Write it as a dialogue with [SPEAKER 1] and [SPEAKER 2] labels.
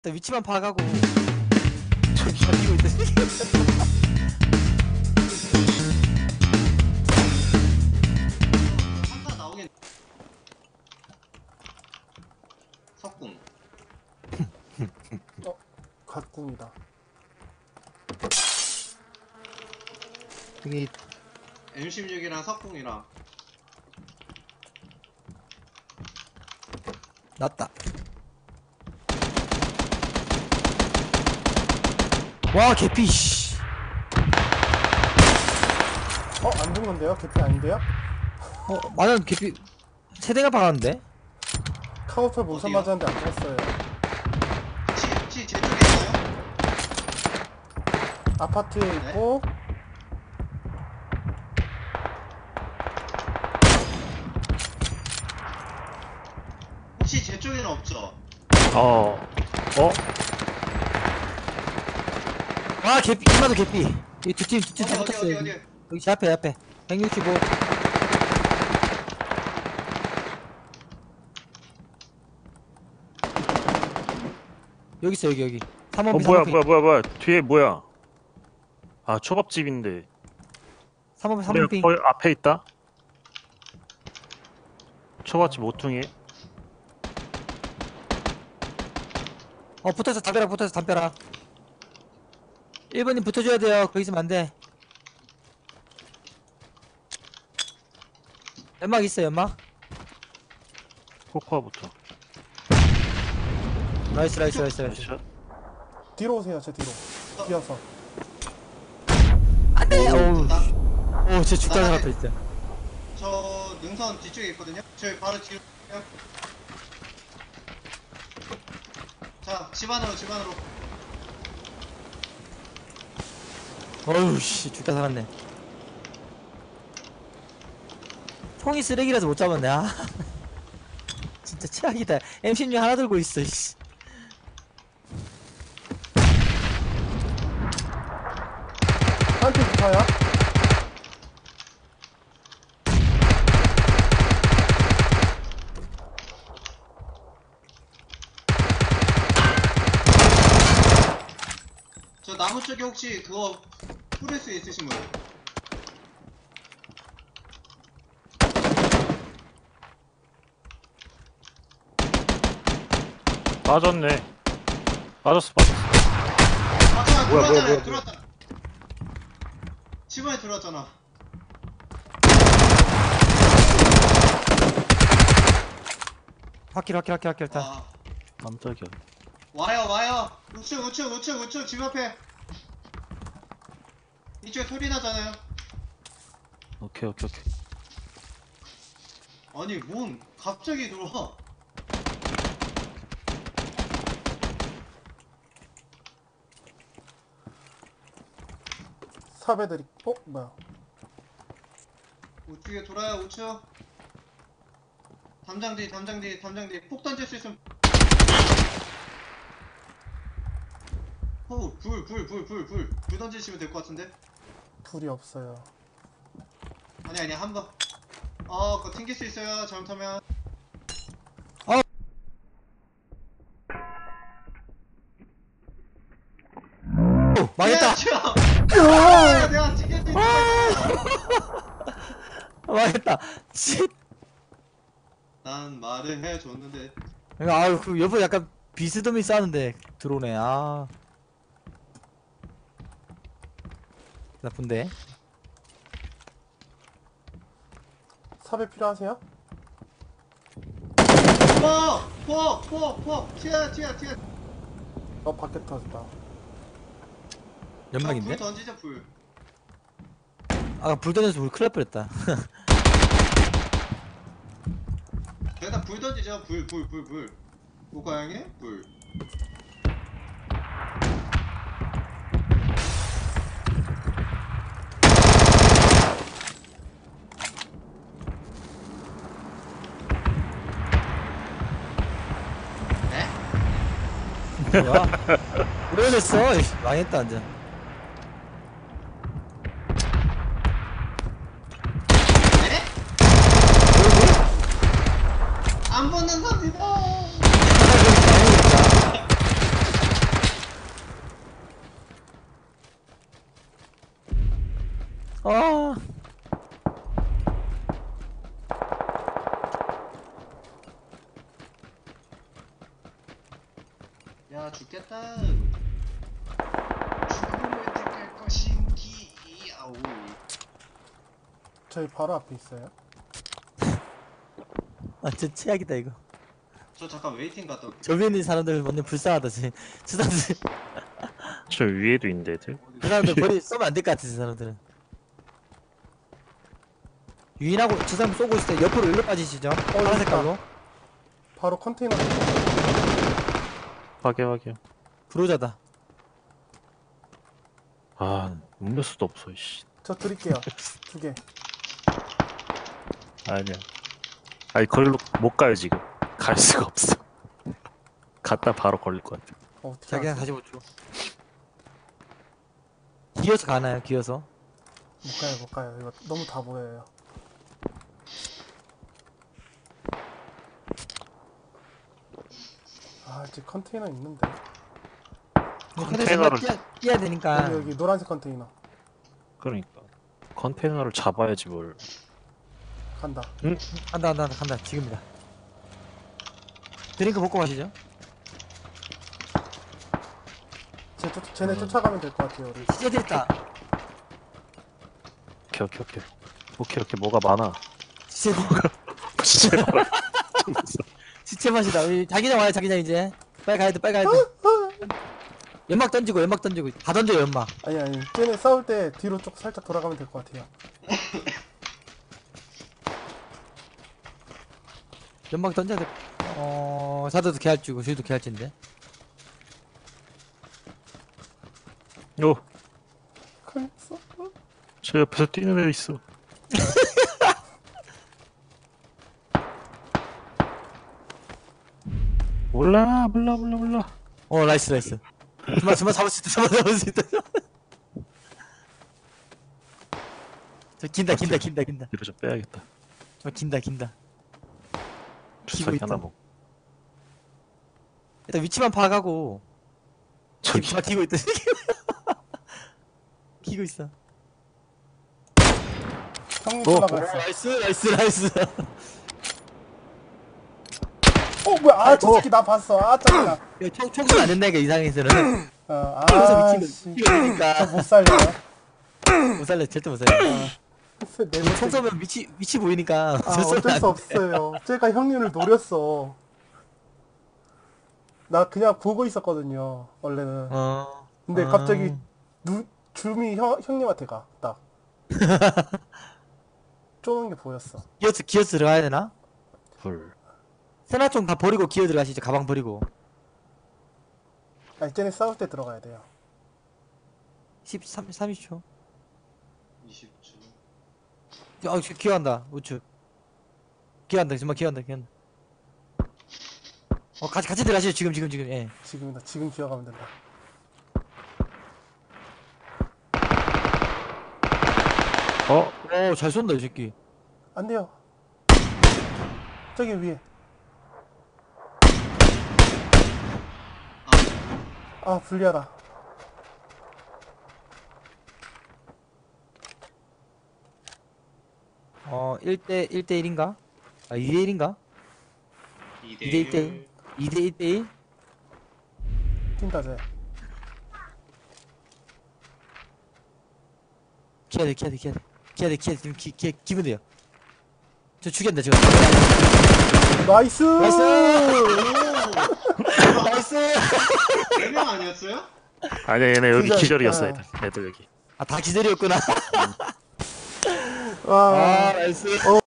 [SPEAKER 1] 일단 위치만 파악하고 저기 이기고 있어.
[SPEAKER 2] 한타 나오겠. 석궁.
[SPEAKER 3] 갓궁이다.
[SPEAKER 1] 여기
[SPEAKER 2] M16이랑 석궁이랑.
[SPEAKER 1] 났다. 와 개피 씨.
[SPEAKER 3] 안 죽는데요? 개피 아닌데요?
[SPEAKER 1] 맞아 개피 세대가 박았는데?
[SPEAKER 3] 카우팔 문선
[SPEAKER 2] 어디요?
[SPEAKER 3] 맞았는데 안 죽었어요.
[SPEAKER 2] 혹시 제 쪽에 있어요?
[SPEAKER 3] 아파트에 있고
[SPEAKER 2] 혹시 제 쪽에는 없죠?
[SPEAKER 1] 와 개피 이마도 개피. 이 두팀 다
[SPEAKER 2] 어디
[SPEAKER 1] 붙었어.
[SPEAKER 2] 어디?
[SPEAKER 1] 여기 제 앞에 165. 여기 있어 여기 3번
[SPEAKER 4] 뭐야 뒤에 뭐야? 아 초밥집인데
[SPEAKER 1] 3번 핑.
[SPEAKER 4] 거기 앞에 있다? 초밥집 모퉁이.
[SPEAKER 1] 붙어서 담벼락 1번님 붙어줘야 돼요. 거기 있으면 안돼. 연막 있어 연막.
[SPEAKER 4] 코코아부터.
[SPEAKER 1] 나이스
[SPEAKER 4] 나이스.
[SPEAKER 3] 뒤로 오세요. 제 뒤로 뛰어서.
[SPEAKER 1] 안돼.
[SPEAKER 2] 나-
[SPEAKER 1] 오우 진짜 죽다
[SPEAKER 2] 나가네.
[SPEAKER 1] 살았다 진짜.
[SPEAKER 2] 저 능선 뒤쪽에 있거든요. 저희 바로 뒤로. 자, 집 안으로.
[SPEAKER 1] 어우 씨 죽다 살았네. 총이 쓰레기라서 못 잡았네. 아 진짜 최악이다. M16 하나 들고 있어 씨.
[SPEAKER 3] 한팀 붙어요.
[SPEAKER 2] 저 나무 쪽에 혹시 그거 뿌릴 수 있으신 분?
[SPEAKER 4] 빠졌네. 빠졌어.
[SPEAKER 2] 아,
[SPEAKER 4] 뭐야.
[SPEAKER 2] 들어왔다. 집 안에 들어왔잖아.
[SPEAKER 1] 확킬 일단.
[SPEAKER 2] 아,
[SPEAKER 4] 깜짝이야.
[SPEAKER 2] 와요. 우측 집 앞에. 이쪽에 소리 나잖아요.
[SPEAKER 4] 오케이.
[SPEAKER 2] 아니, 뭔 갑자기 들어와.
[SPEAKER 3] 삽애들이 뭐야?
[SPEAKER 2] 우측에 돌아요. 우측. 담장 뒤. 폭 던질 수 있으면. 불 던지시면 될 것 같은데.
[SPEAKER 3] 불이 없어요.
[SPEAKER 2] 아니 한 번. 그거 튕길 수 있어요. 잘못하면.
[SPEAKER 1] 망했다.
[SPEAKER 2] 내가 튕길 수 있어.
[SPEAKER 1] 망했다. 씨.
[SPEAKER 2] 난 말을 해줬는데.
[SPEAKER 1] 아유 그 옆에 약간 비스듬히 싸는데 들어오네. 아 나쁜데.
[SPEAKER 3] 삽애 필요하세요?
[SPEAKER 2] 폭. 튀어.
[SPEAKER 3] 밖에 터졌다.
[SPEAKER 1] 연막인데?
[SPEAKER 2] 불 던지자 불.
[SPEAKER 1] 아까 불 던져서 우리 큰일 날 뻔했다.
[SPEAKER 2] 일단 불 던지자. 불. 고가양에 불.
[SPEAKER 1] 뭐야? 오래됐어. 망했다 완전.
[SPEAKER 2] 네? 안 붙는 겁니다. 야 죽겠다. 죽음을 택할 것인기. 아우.
[SPEAKER 3] 저희 바로 앞에 있어요.
[SPEAKER 1] 완전 최악이다 이거.
[SPEAKER 2] 저 잠깐 웨이팅 갔다 올게.
[SPEAKER 1] 저 위에 있는 사람들 완전 불쌍하다 지. 저 사람들
[SPEAKER 4] 저 위에도 있는데 애들.
[SPEAKER 1] 그 사람들 머리 쏘면 안 될 것 같아 저 사람들은. 유인하고 저 사람 쏘고 있을 때 옆으로 일로 빠지시죠. 파란 색깔로.
[SPEAKER 3] 바로 컨테이너.
[SPEAKER 4] 확인.
[SPEAKER 1] 브로자다.
[SPEAKER 4] 아 음료수도 없어 씨.
[SPEAKER 3] 저 드릴게요. 2개.
[SPEAKER 4] 아니야. 아니 거기로 못 가요 지금. 갈 수가 없어. 갔다 바로 걸릴 것 같아.
[SPEAKER 3] 어떻게
[SPEAKER 1] 자기랑
[SPEAKER 3] 알았어?
[SPEAKER 1] 45초. 기어서 가나요? 기어서?
[SPEAKER 3] 못 가요. 이거 너무 다 보여요. 아, 이제 컨테이너 있는데.
[SPEAKER 4] 컨테이너를
[SPEAKER 1] 뛰어야 되니까.
[SPEAKER 3] 여기 노란색 컨테이너.
[SPEAKER 4] 그러니까 컨테이너를 잡아야지 뭘.
[SPEAKER 3] 간다.
[SPEAKER 1] 간다. 지금이다. 드링크 먹고 가시죠.
[SPEAKER 3] 쟤네 쫓아가면 될 것 같아요, 우리.
[SPEAKER 1] 시제들 있다.
[SPEAKER 4] 오케이 뭐가 많아.
[SPEAKER 1] 시제들.
[SPEAKER 4] 진짜 많아.
[SPEAKER 1] 시체 맛이다. 우리 자기장 와요, 자기장 이제. 빨리 가야 돼. 연막 던지고. 다 던져요, 연막.
[SPEAKER 3] 아니. 쟤네 싸울 때 뒤로 쭉 살짝 돌아가면 될 것 같아요.
[SPEAKER 1] 연막 던져야 돼. 자도도 개할주고, 저희도 개할진데.
[SPEAKER 4] 오,
[SPEAKER 3] 걸렸어?
[SPEAKER 4] 저 옆에서 뛰는 애 있어. 몰라.
[SPEAKER 1] 나이스. 정말 잡을 수 있다. 저 긴다.
[SPEAKER 4] 뒤로 좀 빼야겠다.
[SPEAKER 1] 저 긴다.
[SPEAKER 4] 주사기
[SPEAKER 1] 있다.
[SPEAKER 4] 하나 먹.
[SPEAKER 1] 일단 위치만 파악하고.
[SPEAKER 4] 저기
[SPEAKER 1] 정말 기고 있다. 기고 있어.
[SPEAKER 3] 형님
[SPEAKER 4] 어,
[SPEAKER 3] 올라갔어.
[SPEAKER 1] 나이스.
[SPEAKER 3] 뭐야? 아, 저 새끼 나 봤어. 아, 짜증나.
[SPEAKER 1] 총소리 안 된다니까, 이 상황에서는.
[SPEAKER 3] 아,
[SPEAKER 1] 여기서
[SPEAKER 3] 씨.
[SPEAKER 1] 미치고 그러니까.
[SPEAKER 3] 저 못 살려요.
[SPEAKER 1] 못 살려, 절대 못 살려.
[SPEAKER 3] 네
[SPEAKER 1] 총 쏘면 위치 보이니까.
[SPEAKER 3] 아, 어쩔 수 없어요. 제가 형님을 노렸어. 나 그냥 보고 있었거든요, 원래는. 근데 갑자기 줌이 형님한테 가. 딱. 쪼는 게 보였어.
[SPEAKER 1] 기어스 들어가야 되나?
[SPEAKER 4] 불.
[SPEAKER 1] 세나총 다 버리고 기어 들어가시죠, 가방 버리고.
[SPEAKER 3] 아니, 쟤네 싸울 때 들어가야 돼요.
[SPEAKER 1] 30초.
[SPEAKER 2] 20초.
[SPEAKER 1] 기어간다, 우측. 정말 기어간다. 같이 들어가시죠, 지금, 예.
[SPEAKER 3] 지금이다. 지금 기어가면 된다.
[SPEAKER 1] 잘 쏜다, 이 새끼.
[SPEAKER 3] 안 돼요. 저기 위에. 아, 불리하다.
[SPEAKER 1] 어, 1대1인가? 아, 2대1인가?
[SPEAKER 2] 2대1.
[SPEAKER 1] 2대1대1?
[SPEAKER 3] 뛴다, 쟤.
[SPEAKER 1] 기어야 돼. 지금 기면 돼요. 저 죽였다, 지금.
[SPEAKER 3] 나이스!
[SPEAKER 1] 나이스! 나이스!
[SPEAKER 2] 4명 아니었어요?
[SPEAKER 4] 아니야 얘네 여기
[SPEAKER 3] 기절,
[SPEAKER 4] 기절이었어
[SPEAKER 3] 아.
[SPEAKER 4] 애들 여기.
[SPEAKER 1] 다 기절이었구나.
[SPEAKER 3] 와.
[SPEAKER 1] 나이스.